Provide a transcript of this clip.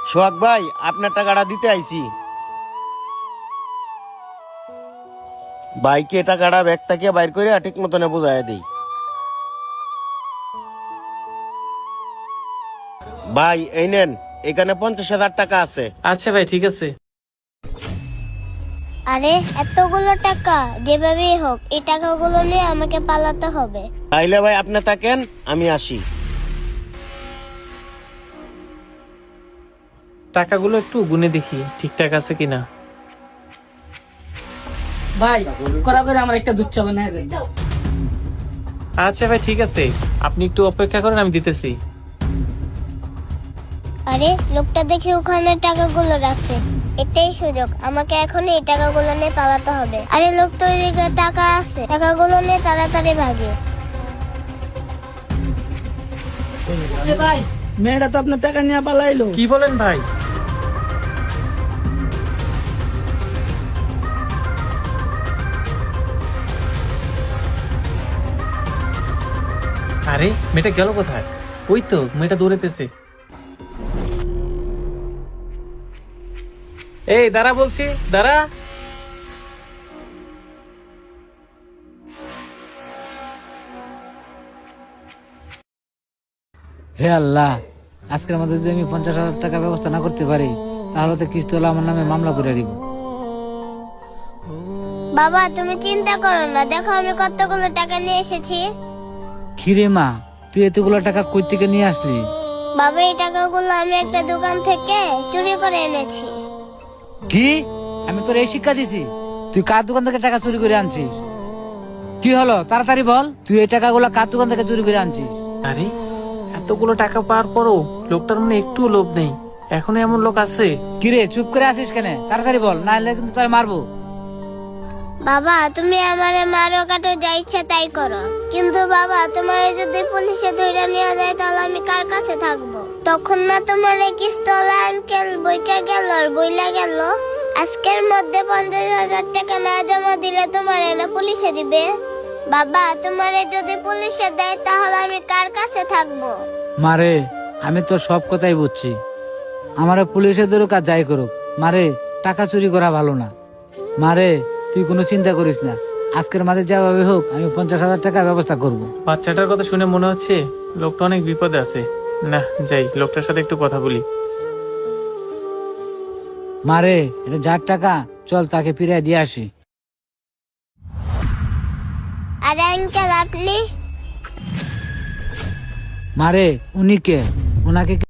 সোহাগ ভাই, আপনার টাকাটা দিতে আইছি। বাইকে টাকাটা ব্যাগ থেকে বাইর করে ঠিক মতনে বুঝাই দিই। ভাই এই নেন, এখানে 50,000 টাকা আছে। আচ্ছা ভাই, ঠিক আছে। আরে এতগুলো টাকা যেভাবেই হোক এই টাকাগুলো নিয়ে আমাকে পালাতে হবে। তাইলে ভাই আপনি থাকেন, আমি আসি। টাকাগুলো একটু গুনে দেখি ঠিকঠাক আছে কিনা। ভাই করা করে আমার একটা দুধ চা বানায় দেন। আচ্ছা ভাই, ঠিক আছে, আপনি একটু অপেক্ষা করেন, আমি দিতেছি। আরে লোকটা দেখি ওখানে টাকাগুলো রাখছে, এটাই সুযোগ, আমাকে এখন এই টাকাগুলো নিয়ে পালাতে হবে। আরে লোক তো ওইদিকে টাকা আছে, টাকাগুলো নিয়ে তাড়াতাড়ি ভাগে। ভাই মেয়েটা তো আপনার টাকা নিয়ে পালাইলো। কি বলেন ভাই? আরে মেয়েটা গেল কোথায়? ওই তো মেয়েটা দৌড়াইতেছে। এই দাঁড়া বলছি, দাঁড়া। হে আল্লাহ, আজকের মধ্যে যদি আমি 50,000 টাকা ব্যবস্থা না করতে পারি তাহলে তো কিস্তিওয়ালা আমার নামে মামলা করে দিব। বাবা তুমি চিন্তা করো না, দেখো আমি কতগুলো টাকা নিয়ে এসেছি। কিরে মা, তুই এতগুলো টাকা কই থেকে নিয়ে আসলি? বাবা এই টাকাগুলো আমি একটা দোকান থেকে চুরি করে এনেছি। কি? আমি তোর এই শিক্ষা দিছি? তুই কার দোকান থেকে টাকা চুরি করে আনছিস? কি হলো তাড়াতাড়ি বল, তুই এই টাকাগুলো কার দোকান থেকে চুরি করে আনছিস? আরে এতগুলো টাকা পাওয়ার পরও লোকটার মনে একটু লোভ নেই। এখনো এমন লোক আছে? কিরে চুপ করে আসিস কেন? তাড়াতাড়ি বল, না হলে কিন্তু তোর মারবো। বাবা তুমি আমারে মারো কাটো যা ইচ্ছা তাই করো, কিন্তু বাবা তোমারে যদি পুলিশে ধরে নিয়ে যায় তাহলে আমি কার কাছে থাকবো? তখন না তোমার কিস্তলা আঙ্কেল বইকা গেল আর বইলা গেল আজকের মধ্যে 50,000 টাকা না জমা দিলে তোমার না পুলিশে দিবে। বাবা তোমারে যদি পুলিশে দেয় তাহলে আমি কার কাছে থাকবো? মারে, আমি তোর সব কথাই বুঝছি, আমারে পুলিশে ধরুক আর যাই করুক, মারে টাকা চুরি করা ভালো না। মারে তুই কোনো চিন্তা করিস না, আজকের মাঝে যাভাবে হোক আমি 50,000 টাকা ব্যবস্থা করব। বাচ্চাটার কথা শুনে মনে হচ্ছে লোকটা অনেক বিপদে আছে। না যাই, লোকটার সাথে একটু কথা বলি। মারে এটা যার টাকা, চল তাকে ফিরিয়ে দিয়ে আসি। আরে আঙ্কেল আপনি? মারে উনি কে? ওনাকে